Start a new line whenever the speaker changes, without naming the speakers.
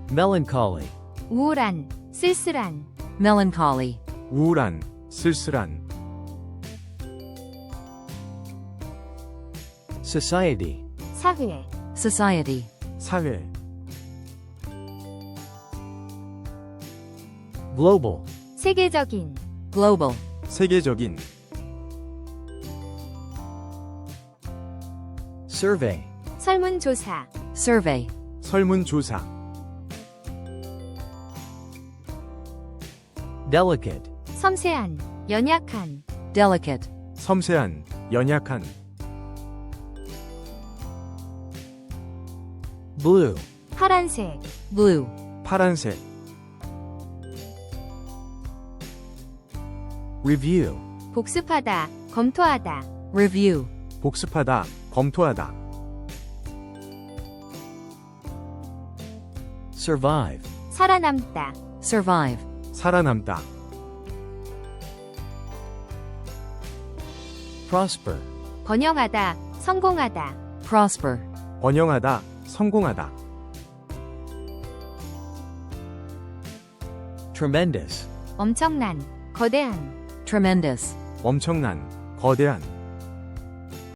melancholy,
우울한, 쓸쓸한,
melancholy,
우울한, 쓸쓸한,
society,
사회,
society,
사회,
global,
세계적인,
global,
세계적인,
survey,
설문조사,
survey,
설문조사,
delicate,
섬세한, 연약한,
delicate,
섬세한, 연약한,
blue,
파란색,
blue,
파란색,
review,
복습하다, 검토하다,
review,
복습하다, 검토하다,
survive,
살아남다,
survive,
살아남다,
prosper,
번영하다, 성공하다,
prosper,
번영하다, 성공하다,
tremendous,
엄청난, 거대한,
tremendous,
엄청난, 거대한,